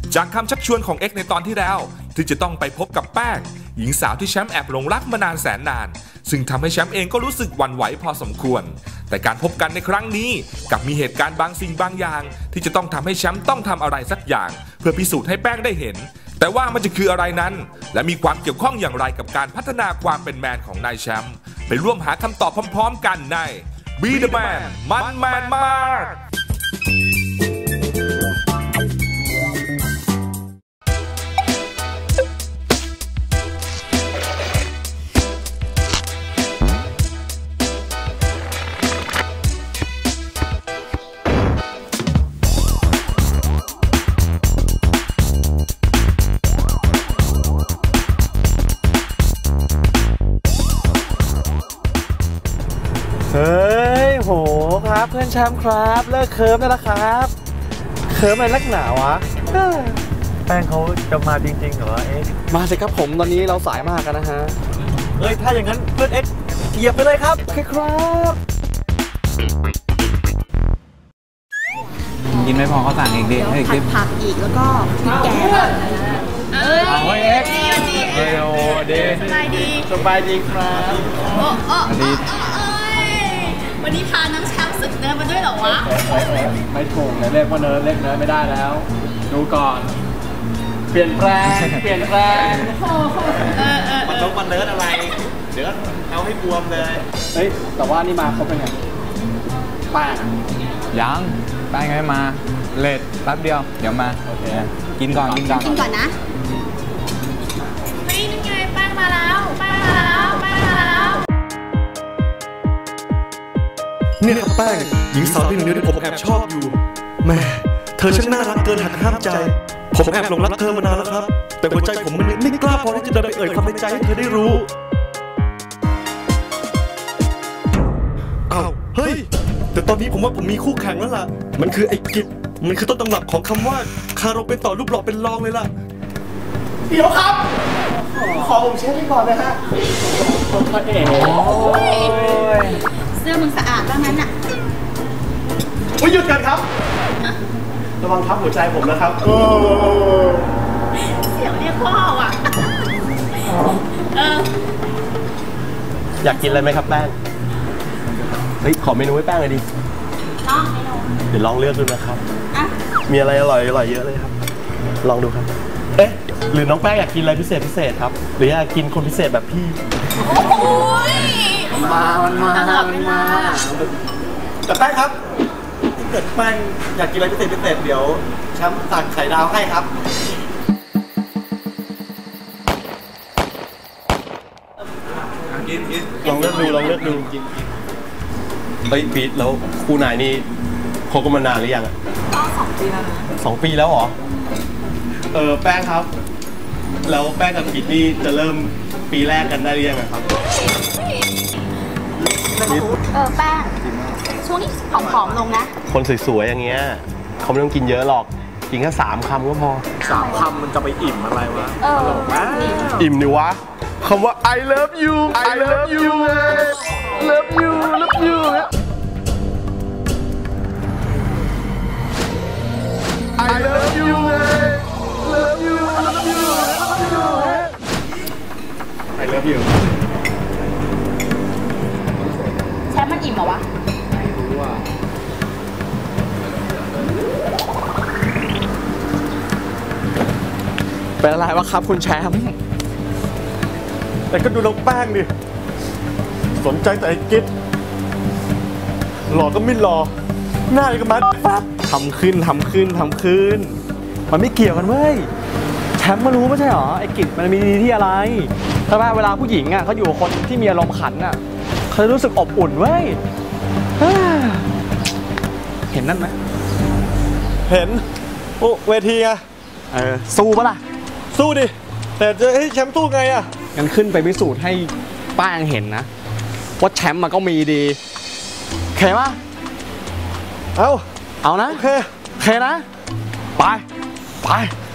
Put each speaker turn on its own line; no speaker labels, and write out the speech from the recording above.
จากคำชักชวนของเอ็กในตอนที่แล้วที่จะต้องไปพบกับแป้งหญิงสาวที่แชมป์แอบหลงรักมานานแสนนานซึ่งทำให้แชมป์เองก็รู้สึกหวั่นไหวพอสมควรแต่การพบกันในครั้งนี้กับมีเหตุการณ์บางสิ่งบางอย่างที่จะต้องทำให้แชมป์ต้องทำอะไรสักอย่างเพื่อพิสูจน์ให้แป้งได้เห็นแต่ว่ามันจะคืออะไรนั้นและมีความเกี่ยวข้องอย่างไรกับการพัฒนาความเป็นแมนของนายแชมป์ไปร่วมหาคำตอบพร้อมๆกันใน Be the Man มันแมนมาก
เฮ้ยโหครับเพื่อนแชมป์ครับเลิกเคิร์ฟได้แล้วครับเคิร์ฟอะไรนักหนาวะ
แป้งเขาจะมาจริงๆเหรอเอ็ก
มาสิครับผมตอนนี้เราสายมากกันนะฮะ
เฮ้ยถ้าอย่างนั้นเพื่อนเอ็กเหยียบไปเลยครับ
โอเคครับ
กินไม่พอเขาสั่งอีกดิให้อีกดิ
ผักอีกแล้วก็พริกแกง
เอาไว้เอ็กเฮลเดย์สบายดีครับ
ดีวันนี้พาน้องแชมป์ศึกเนิร์ดมาด้วยเหรอวะ
ไม่ถูกเลยเรียกว่าเนิร์ดเรียกเนิร์ดไม่ได้แล้วดูก่อนเปลี่ยนแปลง
มันต้องมาเนิร์ดอะไรเดี๋ยวเอาให้บวมเลย
เฮ้ยแต่ว่านี่มาเขาเป็นไงแป้ง
ยังแป้งไม่มาเลทแป๊บเดียวเดี๋ยวมาโอเคกินก่อน
นะเฮ้ยนี่ไงแป้งมาแล้ว
เนี่ยครับแป้งหญิงสาวที่หนึ่งเดียวที่ผมแอบชอบอยู่แม่เธอช่างน่ารักเกินหักห้ามใจผมแอบหลงรักเธอมานานแล้วครับแต่หัวใจผมมันไม่กล้าพอที่จะเดินไปเอ่ยความในใจให้เธอได้รู้อ้าวเฮ้ยแต่ตอนนี้ผมว่าผมมีคู่แข่งแล้วล่ะมันคือไอ้กิจมันคือต้นตำรับของคำว่าคารมเป็นต่อรูปหล่อเป็นรองเลยล่ะ
เดี๋ยวครับขอผมเช็ดให้ก่อนนะฮะ
เสื้อมึงสะอาดบ้างนั้นอ่ะ
หยุดกันครับระวังทับหัวใจผมนะครับ
เสียงเรียกพ่อว่ะ
อยากกินอะไรไหมครับแป้งเฮ้ยขอเมนูให้แป้งเลยดิ
ลองเมนู
เดี๋ยวลองเลือกดูนะครับมีอะไรอร่อยเยอะเลยครับลองดูครับเอ๊ะหรือน้องแป้งอยากกินอะไรพิเศษครับหรืออยากกินคนพิเศษแบบพี่
โอ้ย
มันมาแต่แป้งครับถ้าเกิดแป้งอยากกินอะไรพิเศษเดี๋ยวแชมป์สั่งไข่ดาวให้ครับลองเลือกดูกินเฮ้ยพีทแล้วคู่นายนี่คบกันมานานหรือยัง
ก็2 ปีแล้วนะ
2 ปีแล้วเหรอแป้งครับแล้วแป้งกับพีทนี่จะเริ่มปีแรกกันได้หรือยังครับ
แป้งช่วงนี้ผอมลงนะ
คนสวยๆอย่างเงี้ยเขาไม่ต้องกินเยอะหรอกกินแค่3 คำก็พอ3 คำมันจะไปอิ่มอะไรวะอิ่มดิวะคำว่า I love you I love you love you love you I love you love you love you I love you
แชมป์มันอิ่มเหรอวะ
ไม่รู้ว่าเป็นอะไรวะครับคุณแชมป์แต่ก็ดูน้องแป้งดิสนใจแต่ไอ้กิ๊ดหล่อก็ไม่หล่อหน้าก็มาปั๊บทำขึ้นมันไม่เกี่ยวกันเว้ยแชมป์มารู้ไม่ใช่หรอไอ้กิ๊ดมันมีดีที่อะไรถ้าเวลาผู้หญิงอ่ะเขาอยู่กับคนที่มีอารมณ์ขันอ่ะเขาจะรู้สึกอบอุ่นเว้ยเห็นนั่นไหมเห็นโอ้เวทีอะสู้ปะล่ะสู้ดิแต่จะให้แชมป์สู้ไงอะงั้นขึ้นไปพิสูจน์ให้ป้างเห็นนะว่าแชมป์มันก็มีดีโอเคปะเอานะโอเคนะไป